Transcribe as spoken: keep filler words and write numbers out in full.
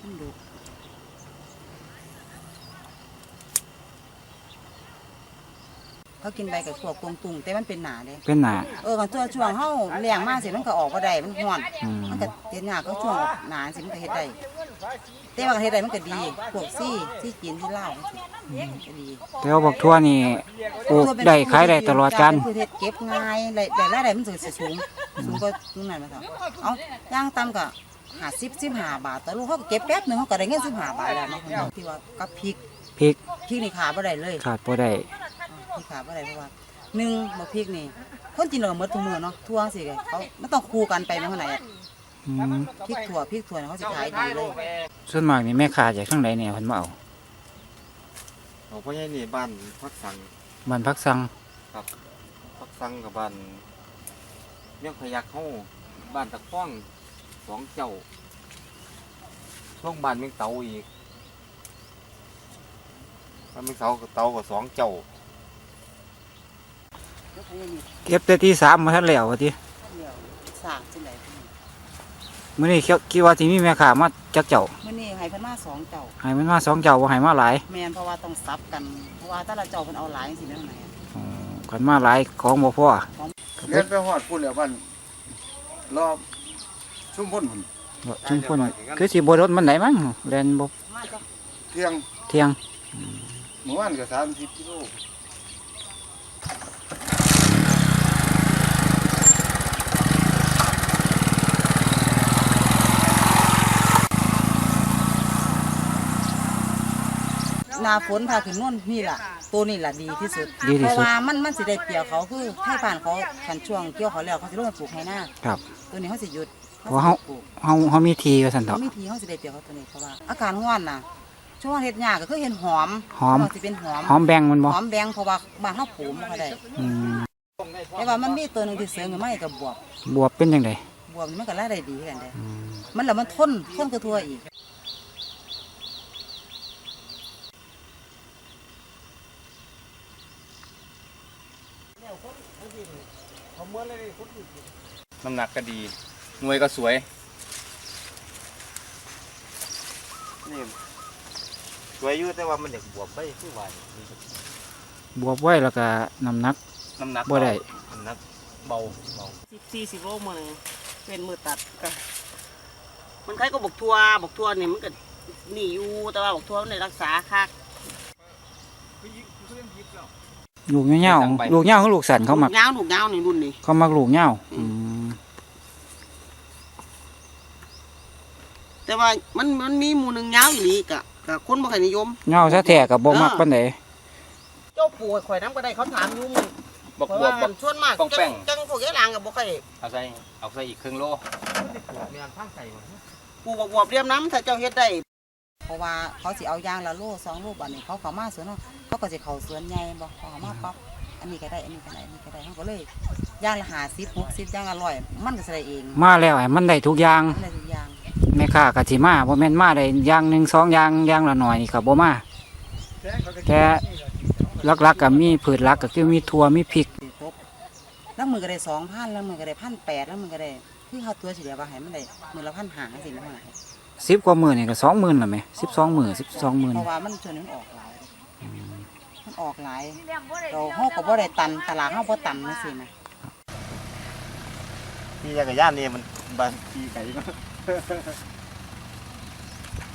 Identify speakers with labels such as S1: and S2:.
S1: มันดุเขากินใบกับพวกกวงตุงแต่มันเป็นหนาเลย
S2: เป็นหนา
S1: เออกันตัวช่วงเฮาเลี้ยงมาสิมันก็ออกบ่ได้มันฮ้อนมันก็เฮ็ดยากก็ช่วงหนาสิมันก็เฮ็ดได้แต่ว่าเฮ็ดได้มันก็ดีพวกซี่ซี่จีนที่ลาวก็ดี
S2: แต่ว่าบักทั่วนี่ปลูกได้ขายได้ตลอดกาล
S1: คือเฮ็ดเก็บง่ายได้ได้รายได้มันสิสูงสูงกว่าตรงนั้นมาเถอะเอ้าย่างต่ำก็ห้าสิบ สิบห้าบาทต่อลูกเฮาก็เก็บแป๊บนึงเฮาก็ได้เงินสิบห้าบาทแล้วเนาะที่ว่ากับพริก
S2: พริก
S1: พริกนี่ขาบ่ได้เลย
S2: ขาดบ่ได้
S1: พริกขาบ่ได้เพราะว่าหนึ่งบักพริกนี่คนกินเราหมดทุกมื้อเนาะทั่วสิเขามันต้องคู่กันไปมันเท่าไหร่อ่ะพริกถั่วพริกถั่วเขาสิขายดีเลย
S2: ส่วนมากนี่แม่ค้าจากทางใดเนี่ยเพิ่นมาเอา
S3: เอาพ่อใหญ่นี่บ้านพักสัง
S2: บ้านพักสัง
S3: ครับพักสังกับบ้านเมี่ยงพยักเฮาบ้านตะฟ้องสองเจ้าช่วงบ้านเมี่ยงเตาอีกบ้านเมี่ยงเตากับเตากับสองเจ้า
S2: เก็บแต่ที่สามมาทันแล้วว่าติ
S1: สากจังได๋
S2: มื้อนี้คิดว่าสิมีแม่ค้ามาจักเจ้า
S1: มื้อนี้ให้เพิ่นมาสองเจ้า
S2: ให้มันมาสองเจ้าบ่ให้มาหลาย
S1: แม่นเพราะว่าต้องซับกันเพราะว่าแต่ละเจ้าเพิ่นเอาหลายจังซี่แม่นไหน
S2: อ๋อคันมาหลายของบ่พอ
S3: เฮ็ดไปฮอดพุ่นแล้วบ้านรอบชุมพลพุ่น
S2: ชุมพลคือสิบ่รถมันไหนมั้งแล่นบ่
S3: เที่ยง
S2: เที่ยง
S3: เมื่อวานก็สามสิบกิโล
S1: หน้าฝนพาขึ้นนู่นนี่ล่ะตัวนี่ล่ะดีที่สุดเพราะว่ามันมันสิได้เปรียวเขาคือให้ผ่านเขาคันช่วงเกี่ยวเขาแล้วเขาสิลงมาปลูกให้หน้า
S2: ครับ
S1: ตัวนี้เขาสิหยุด
S2: เพราะเฮาเฮาเฮามีทีว่าซั่นเถาะ
S1: เขามีทีเขาสิได้เปรียวเขาตัวนี้เพราะว่าอาการร้อนน่ะช่วงเฮ็ดยากก็คือเห็นหอม
S2: หอม
S1: สิเป็นหอม
S2: หอมแบงมันบ่
S1: หอมแบงเพราะว่าบ้านเฮาปลูกบ่ค่อยได้
S2: อืม
S1: แต่ว่ามันมีตัวนึงที่เสริมขึ้นมากับบวบบ
S2: วบเป็นจังได๋
S1: บวบนี่มันก็รายได้ดีกันได้มันแล้วมันทนทนกระทั่วอีก
S3: น้ำหนักก็ดีหน่วยก็สวยนี่สวยอยู่แต่ว่ามันเด็กบวบไปคือว่า
S2: บวบไว้แล้วก็น้ำหนัก
S3: น้ำหนัก
S2: บ่ได้
S3: น้ำหนักเบาเบา
S1: สิบสี่สิบโลมื้อนึงเป็นมือตัดก็มันคล้ายก็บกทั่วบกทั่วนี่มันก็หนีอยู่แต่ว่าบกทั่วมันได้รักษาคัก
S2: ลูกเงี้ยวๆลูกเงี้ยวคือลูกสันเขามัก
S1: เงี้ยวลูกเงี้ยวนี่รุ่นนี้
S2: เขามักลูกเงี้ยว
S1: แต่ว่ามันมันมีหมู่หนึ่งเงี้ยวอยู่นี่กะกะคนบ่ค่อยนิยม
S2: เงี้ยวซะแท้กับบ่มักปานใด
S1: เจ้าปู่ข่อยน้ำก็ได้เขาถามอยู่มึง
S3: บอกบวบบอก
S1: ชวนมากจังจังพวกยายหลางกับบ่ค่อย
S3: เอาใส่เอาใส่อีกครึ่งโลมีอันข้างใส่
S1: ปู่บอกบวบเรียมน้ำถ้าเจ้าเฮ็ดได้เพราะว่าเขาสิเอายางละโลสองโลบัดนี้เขาเข้ามาสวนเนาะเขาก็สิเข้าสวนใหญ่บ่เขาเข้ามาปั๊บอันนี้ก็ได้อันนี้ก็ได้อันนี้ก็ได้เขาก็เลยย่างละห้าสิบ หกสิบย่างละร้อยมันก็สิได้เอง
S2: มาแล้วให้มันได้ทุกอย่าง
S1: ได้ทุกอย่าง
S2: แม่ค้าก็สิมาบ่แม่นมาได้อย่างหนึ่งสองอย่างอย่างละหน่อยนี่ก็บ่มาแต่หลักๆก็มีพืชหลักก็คือมีถั่วมีพริก
S1: แล้วมือก็ได้สองพันแล้วมือก็ได้พันแปดแล้วมือก็ได้คือเขาตัวเฉลี่ยว่าให้มันได้มือละพันหาสิเท่าไหร่
S2: สิบกว่าหมื่นนี่ก็สองหมื่นละไหมสิบสองหมื่นสิบสองหมื่น
S1: เพราะว่ามันชวนมันออกหลายมันออกหลายเราห้องก็บ่ได้ตันตลาดห้องบ่ตันนั่นสินะ
S3: ที่จักรยานนี่มันบางทีไก่